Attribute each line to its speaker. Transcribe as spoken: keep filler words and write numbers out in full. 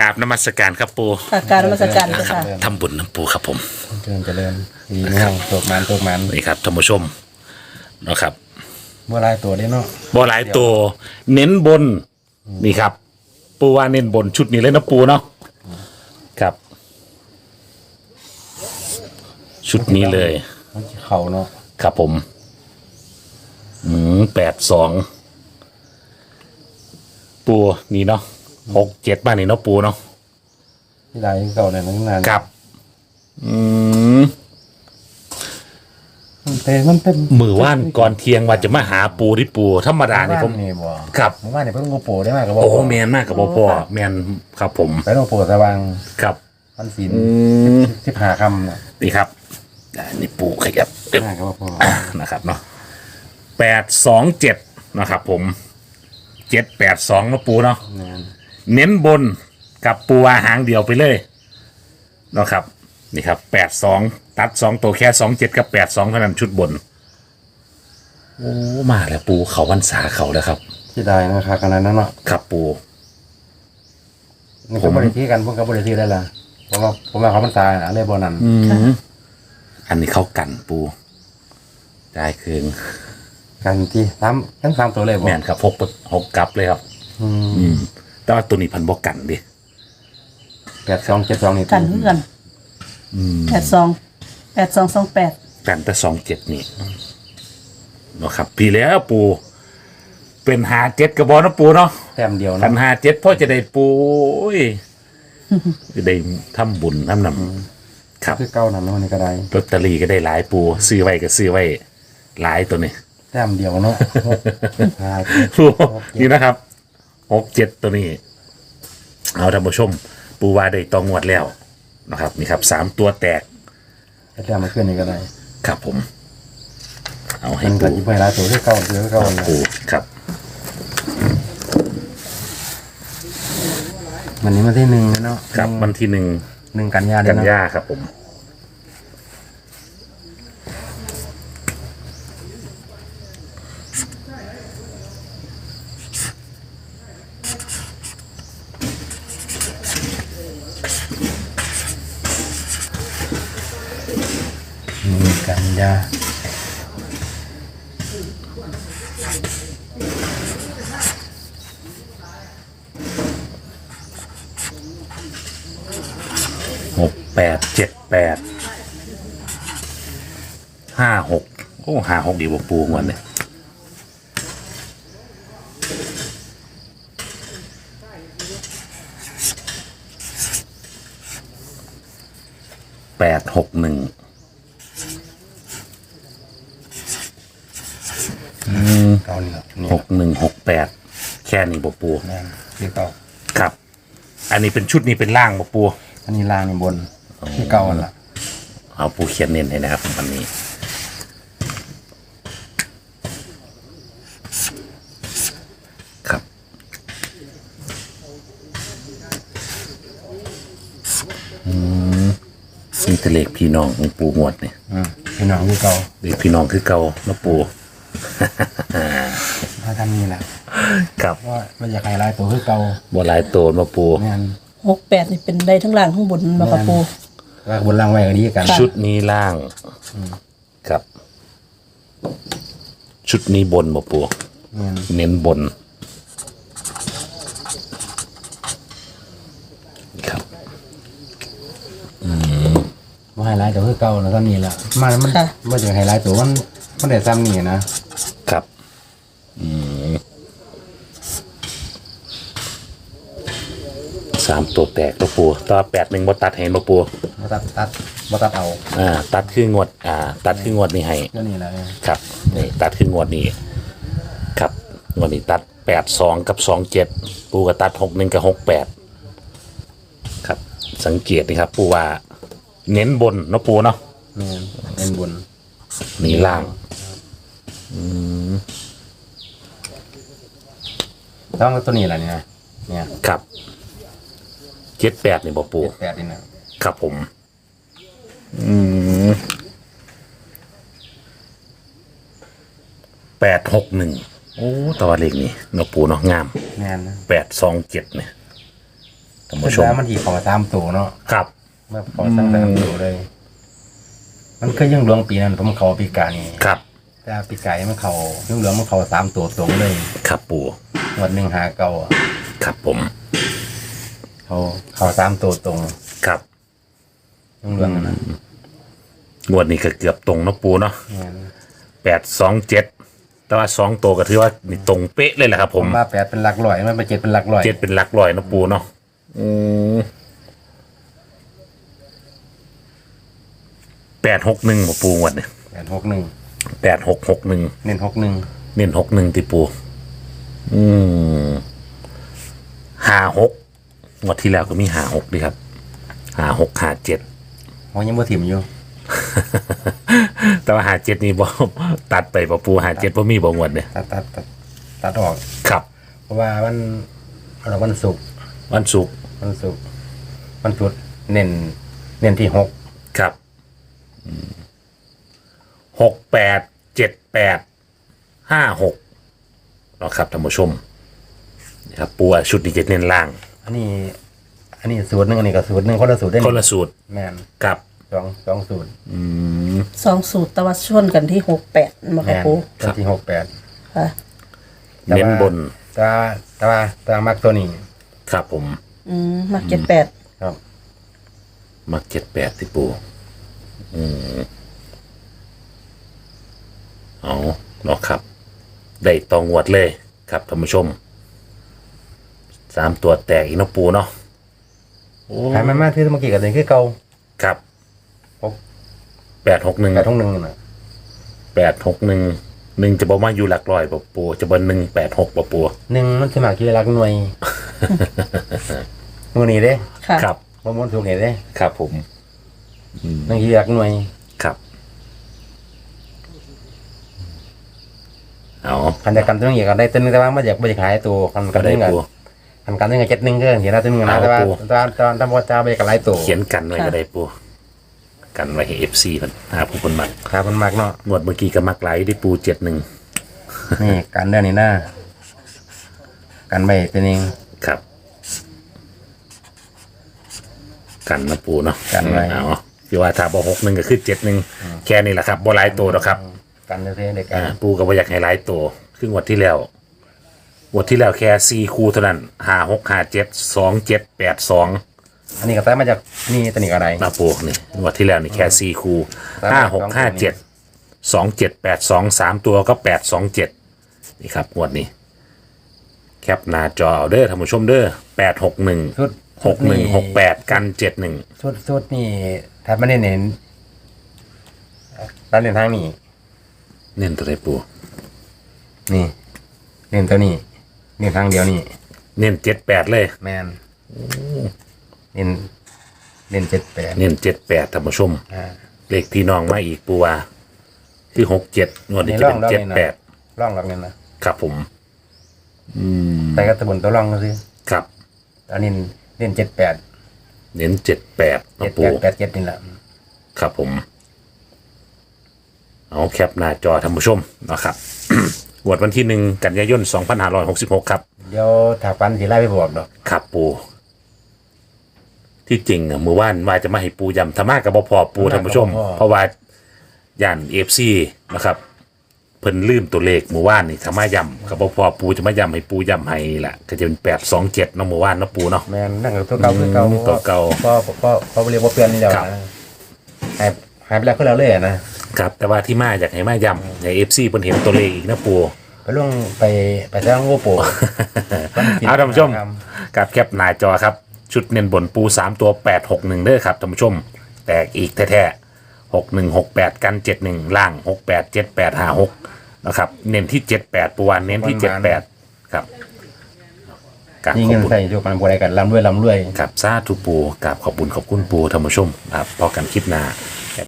Speaker 1: กราบนมัสการครับปู
Speaker 2: ค่ะการนมัสการ
Speaker 1: นะ
Speaker 2: เจ้า
Speaker 1: ครับ
Speaker 2: ค่ะ
Speaker 1: ทำบุญน้ำปูครับผม
Speaker 3: เจริญเจริญดีนะตกมันตกมัน
Speaker 1: นี่ครับท่านผู้ชมนะครับ
Speaker 3: เมื่อไรตัวได้เนาะ
Speaker 1: บอหลายตัวเน้นบนนี่ครับ ปูว่าเน้นบนชุดนี้เลยนะปูเนาะครับ ชุดนี้เลย
Speaker 3: มันเข่าเนาะ
Speaker 1: ครับผมอืมแปดสองปูนี่เนาะหกเจ็ดบ้านนี่เนาะปูเนาะ
Speaker 3: ที่ไรเก่าเนี่ยตั้งนาน
Speaker 1: ครับ อืม
Speaker 3: แต่มันเป็น
Speaker 1: มือว่านก่อนเที่ยงว่าจะมาหาปูที่ปูธรรมดานี่ผม
Speaker 3: นี่บ่
Speaker 1: ครับ
Speaker 3: เมื่อวานนี่เพิ่งโงโปได้มากกับบ่
Speaker 1: โอ้แมนมากกับพ่อพ่อแมนครับผม
Speaker 3: ไปโงโปสว่าง
Speaker 1: ครับ
Speaker 3: พันศีล
Speaker 1: ม
Speaker 3: สิบหาคำน่ะ
Speaker 1: นี่ครับอ่านี่ปูขยับเอ๊ะ
Speaker 3: มากกับบ่
Speaker 1: อ่านะครับเนาะแปดสองเจ็ดนะครับผมเจ็ดแปดสองนะปูเนาะ
Speaker 3: งาน
Speaker 1: เน้นบนกับปูอาหางเดียวไปเลยเนาะครับนี่ครับแปดสองตัดสองตัวแค่สองเจ็ดกับแปดสองเท่านั้นชุดบนโอ้มาแล้วปูเขาวันษาเขาแล้วครับ
Speaker 3: ที่ใดนะครับขนาดนั้นเนาะ
Speaker 1: ครับปู
Speaker 3: นี่ผมบริทีกันพวกกับบริทีได้ละผมว่าผมว่าเขามันตายอะไรบ่นั่น
Speaker 1: อืมอันนี้เข้ากันปูได้คืน
Speaker 3: กันที่สามทั้งสามตัวเลยบ่
Speaker 1: แม่นครับหกหกกลับเลยครับ
Speaker 3: อืม
Speaker 1: อืมแต่ว่าตัวนี้พันบอกกันดิ
Speaker 3: แปดสองเจ็ดสองนี่
Speaker 2: กันเพื่อนแปดสองแปดสองสองแปด
Speaker 1: กันแต่สองเจ็ดนี่เนาะครับ พี่แล้วปู เป็นหาเจ็ดกระบอกนะปูเนาะ
Speaker 3: แต้มเดียว
Speaker 1: พั
Speaker 3: เนาะ
Speaker 1: นหาเจ็ดพ่อจะได้ปูโอ้ยจะได้ทำบุญทำนำครับ
Speaker 3: คือเก้านั่นเนาะนี่ก็ได้
Speaker 1: ลอตเตอรี่ก็ได้หลายปู ซื้อไว้ก็ซื้อไว้หลายตัวนี้
Speaker 3: แต้มเดียวเนาะหกห้า
Speaker 1: ปูนี่นะครับหกเจ็ดตัวนี้ เอาท่านผู้ชม ปูว่าได้ตองงวดแล้วนะครับ นี่ครับสามตัวแตก
Speaker 3: แต้มมาขึ้นนี่ก็ได้
Speaker 1: ครับผม เอาให้
Speaker 3: มันก็
Speaker 1: ปู
Speaker 3: ยิ่งไปหลายตัวคือเก้าคือเก้านะ
Speaker 1: ปูครับ
Speaker 3: วันนี้มาที่หนึ่งแล้วเนาะ
Speaker 1: ครับวันที่หนึ่ง
Speaker 3: หนึ่งกันยาเดื
Speaker 1: กั
Speaker 3: อน
Speaker 1: น
Speaker 3: เนาะ
Speaker 1: ยาครับผม
Speaker 3: หนึ่งกันยา
Speaker 1: หกแปดเจ็ดแปดห้าหกโอ้ห้าหกดีกว่าปูงวันเนี่ยแปดหกหนึ่ง
Speaker 3: เก้านี่แหละนี่
Speaker 1: หกหนึ่งหกแปดแค่นี้บ่ปู
Speaker 3: แม่นคือเก้า
Speaker 1: ครับ อันนี้เป็นชุดนี้เป็นล่างบ่ปู
Speaker 3: อันนี้ล่างนี่บนคือเก้าอันละ
Speaker 1: เอาปูเขียนเน้นให้นะครับวันนี้ ครับ อืมนี่ทะเลขพี่น้องของปูงวดเนี่ย
Speaker 3: อืมพี่น้องคือเก้า
Speaker 1: เด็กพี่น้องคือเก่านะปู
Speaker 3: ถ้าทำนี่แหละ
Speaker 1: ครับ
Speaker 3: ว่ามันอยากให้หลายตัวคือเก้า
Speaker 1: บัวลายโตนมาปู
Speaker 3: แม่น
Speaker 2: หกแปดนี่เป็นได้ทั้งล่างทั้งบนมากับปู
Speaker 3: ว่าบนล่างไว้ก็ดีกัน
Speaker 1: ชุดนี้ล่างครับ ชุดนี้บนมาปู
Speaker 3: แม่น
Speaker 1: เน้นบนครับ
Speaker 3: ว่าให้หลายตัวคือเก้าแล้วก็นี่แหละมันมันมันอยากให้หลายตัวมันมันได้ซ้ำนี่นะครับ
Speaker 1: อืมสามตัวแตกตัวปูตัวแปดหนึ่งบตัดเห็นมาปู
Speaker 3: มาตัดตัดมาตัดเอา
Speaker 1: อ่า ตัดคืองวด อ่า ตัดคืองวดนี่ให้
Speaker 3: ก็นี่แหละ
Speaker 1: ครับนี่ตัดขึ้นงวดนี้ครับงวดนี้ตัดแปดสองกับสองเจ็ดปูก็ตัดหกหนึ่งกับหกแปดครับ สังเกตนี่ครับ ปูว่า เน้นบนเนาะปูเนาะ
Speaker 3: แม่นเป็นบน
Speaker 1: นี่ล่าง
Speaker 3: ต้องตัวนี้แหละเนี่ยเนี่ย
Speaker 1: ครับเจ็ดแปดนี่บอกปู
Speaker 3: แปดนี่นะครับ
Speaker 1: ผม อืมแปดหกหนึ่งโอ้ตัวเลขนี่เนาะปูเนาะงาม
Speaker 3: แม่นนะ
Speaker 1: แปดสองเจ็ดเนี่ยท่าน
Speaker 3: คือ
Speaker 1: ผู้ชม
Speaker 3: ว่ามันที่เขอตามตัวเนาะ
Speaker 1: ครับ
Speaker 3: เมื่อเขอตามตัวเลย มันก็ยังหลวงปีนั้นผมเขาปีกานี่
Speaker 1: ครับ
Speaker 3: แต่ปีกายมันเขายังหลวงมันเขาตามตัวตรงเลย
Speaker 1: ครับปู
Speaker 3: วันหนึ่งหาเก่าอะ
Speaker 1: ครับผม
Speaker 3: เขาเขาตามตัวตรง
Speaker 1: ครับ
Speaker 3: ยังหลวงอะนะ
Speaker 1: งวดนี้ก็เกือบตรงเนาะปูเนาะ
Speaker 3: งั้น
Speaker 1: แปดสองเจ็ดแต่ว่าสองตัวก็ถือว่านี่ตรงเป๊ะเลยแหละครับ ผ
Speaker 3: ผม มว่าแปดเป็นหลักร้อยมันเป็นเจ็ดเป็นหลักร้อย
Speaker 1: เจ็ดเป็นหลักร้อยเนาะปูเนาะอืมแปดหกหนึ่งปูงวดเนี่ย
Speaker 3: แปดหกหนึ่ง
Speaker 1: แปดหกหกหนึ่ง
Speaker 3: เน้นหกหนึ่ง
Speaker 1: เน้นหกหนึ่งติปู อืมห้าหกงวดที่แล้วก็มีห้าหกดีครับห้าหกห้าเจ็ด
Speaker 3: เขายังบ่ถิ่มอยู่
Speaker 1: แต่ว่าหาเจ็ดนี่บ่ ตัดไปบ่ปูหาเจ็ดบ่มีบ่งวดเนี่ย
Speaker 3: ตัดตัดตัดตัดออก
Speaker 1: ครับ
Speaker 3: เพราะว่าวันเราวันศุกร์
Speaker 1: วันศุกร์
Speaker 3: วันศุกร์วันพุธเน้นเน้นที่หก
Speaker 1: ครับหกแปดเจ็ดแปดห้าหกเนาะครับท่านผู้ชมนี่ครับปูชุดนี้จะเน้นล่าง
Speaker 3: อันนี้ อันนี้สูตรหนึ่งอันนี้ก็สูตรหนึ่งคนละสูตรได้
Speaker 1: คนละสูตร
Speaker 3: แมน
Speaker 1: กับ
Speaker 3: สองสองสูตร
Speaker 2: สองสูตรแตะวันชนกันที่หกแปดมา
Speaker 3: แม
Speaker 2: ค่ะ
Speaker 3: น
Speaker 2: ปู
Speaker 3: ตัวที่หกแปด
Speaker 2: ค่ะ
Speaker 3: แต่ว่า
Speaker 1: เน้นบน
Speaker 3: แต่ว่าแต่ว่าแต่ว่ามักตัวนี้
Speaker 1: ครับผม
Speaker 2: อืมมาเจ็ดแปด
Speaker 3: ครับ
Speaker 1: มักเจ็ดแปดที่ปูอืมเอาเนาะครับ ได้ตองวดเลยครับท่านผู้ชมสามตัวแตกอีกเนาะปูเนาะโอ้
Speaker 3: ขายมันมากที่เมื่อกี้กับเดินคือเก่า
Speaker 1: ครับ
Speaker 3: หก
Speaker 1: แปดหกหนึ่ง
Speaker 3: แปดทุ่งหนึ่งน่ะ
Speaker 1: แปดหกหนึ่งหนึ่งจะบอกว่าอยู่หลักร้อยปะปูจะบอกหนึ่งแปดหกปะปู
Speaker 3: หนึ่งมันสมัครกี่รักหน่วย หน่วยนี้เด้
Speaker 2: ค่ะ
Speaker 1: ครับ
Speaker 3: บ่มนถูกนี่เด้
Speaker 1: ครับผม
Speaker 3: หนึ่งกี่รักหน่วย
Speaker 1: ครับเอา
Speaker 3: คันจะกันตัวนึงอยากกันได้ตัวนึงแต่ว่ามันอยากบ่อยากขายตัวคัน
Speaker 1: ก็
Speaker 3: กัน
Speaker 1: ได้
Speaker 3: นึงอ่ะ
Speaker 1: ปู
Speaker 3: คันกันนึงอ่ะเจ็ดหนึ่งก็เห็นแล้วตัวนึงนะ
Speaker 1: เอา
Speaker 3: แต่ว่า
Speaker 1: ปู
Speaker 3: ตอนตอนตอนบ่จ้าบ่อยากกันหลายตัว
Speaker 1: เขียนกันไว้ก็ได้ปูกันไว้ให้เอฟซีมันหาผู้คนมัก
Speaker 3: ครับมันมากเนาะ
Speaker 1: งวดเมื่อกี้ก็มักไหลายได้ปูเจ็ดหนึ่ง
Speaker 3: นี่กันเด้อนี่นะกันไว้ตัวนึง
Speaker 1: ครับ กันนะปูเนาะ
Speaker 3: กันไว้
Speaker 1: เอาที่ว่าถ้าบอหกหนึ่งก็คือเจ็ดหนึ่งแค่นี้แหละครับบอหลายตัวหรอกครับ
Speaker 3: กันเด้อเด็กกั
Speaker 1: อ่าน ปูก็บ่อยากให้หลายตัวครึ่งวันที่แล้วงวันที่แล้วแค่สี่คู่เท่านั้นห้าหกห้าเจ็ดสองเจ็ดแปดสอง
Speaker 3: อันนี้ก็ได้มาจากนี่ตัวนี้ก็ได้
Speaker 1: มาปูนี่งวันที่แล้วนี่แค่สี่คู่
Speaker 3: ครับ
Speaker 1: ห้าหกห้าเจ็ดสองเจ็ดแปดสองสามตัวก็แปดสองเจ็ดนี่ครับงวดนี้ แคปหน้าจอเอาเด้อท่านผู้ชมเด้อแปดหกหนึ่ง
Speaker 3: ชุด
Speaker 1: หกหนึ่งหกแปดกันเจ็ดหนึ่ง
Speaker 3: ชุดชุดนี่ถ้าไม่ได้เน้นร้านเรียนทางนี้
Speaker 1: เน้นตัวไหนปู
Speaker 3: นี่เน้นตัวนี้เน้นทางเดียวนี่
Speaker 1: เน้นเจ็ดแปดเลย
Speaker 3: แมนเน้นเน้นเจ็ดแปด
Speaker 1: เน้นเจ็ดแปดท่านผู้ชม
Speaker 3: อ่า
Speaker 1: เลขพี่น้องมาอีกปูว่าคือหกเจ็ดงวดนี้จะเป็น
Speaker 3: นี่ร่อง
Speaker 1: เจ็ด
Speaker 3: ร่องนี่นะ
Speaker 1: แปด
Speaker 3: ร่องหลักเนี่ยนะครับ
Speaker 1: ผม อืม
Speaker 3: แต่ก็ตะบนตัวร่องก็สิ
Speaker 1: ครับ
Speaker 3: อันนี้เน้นเจ็ดแปด
Speaker 1: เน้นเจ็ดแปด
Speaker 3: เจ็
Speaker 1: นะ
Speaker 3: ด
Speaker 1: ปู
Speaker 3: แปดแปดเจ็ดนี่แหละ
Speaker 1: ครับผม เอาแคปหน้าจอท่านผู้ชมนะครับ งวดวันที่หนึ่งกันยายนสองพันห้าร้อยหกสิบหกครับ
Speaker 3: เดี๋ยวถ้าฟันสิไล่ไปบอกดอก
Speaker 1: ครับปู ที่จริงอะมือว่านว่าจะมาให้ปูยำธรรมะกับบพอปูท่านผู้ชม เพราะว่าย่านเอฟซีนะครับ เพิ่นลืมตัวเลขมือว่านนี่ธรรมะยำกับบพอปูจะมายำให้ปูยำให้แหละก็จะเป็นแปดสองเจ็ดเนาะมือว่านเนาะปูเนาะ
Speaker 3: แมนนั่งกับตัวเก่าคือเก่า
Speaker 1: อืมตัวเก่า
Speaker 3: ก็ก็ก็เรียกว่าเปลี่ยนนี่เดียว
Speaker 1: ครับ
Speaker 3: นะหายหายไปแล้วคือเราเลยอะนะครับ
Speaker 1: แต่ว่าที่มาอยากให้มายำให้เอฟซีเพิ่นเห็นตัวเลขอีกนะปู
Speaker 3: ไปล่วงไปไปจ้างโง่โป
Speaker 1: เอาท่านผู้ชมกับแคปหน้าจอครับ ชุดเน้นบนปูสามตัวแปดหกหนึ่งเด้อครับท่านผู้ชม แตกอีกแท้ๆหกหนึ่งหกแปดกันเจ็ดหนึ่งล่างหกแปดเจ็ดแปดห้าหกนะครับ เน้นที่เจ็ดแปดปูวานเน้นที่เจ็ดแปดครับกับ
Speaker 3: ยิง
Speaker 1: ขอบ
Speaker 3: เงิน
Speaker 1: คุณ
Speaker 3: ใส่ทุกคนบริการลำด้วยลำด้วย
Speaker 1: กับซาทุปูกับขอบคุณขอบคุณปูท่านผู้ชมครับพอกันคลิปหน้า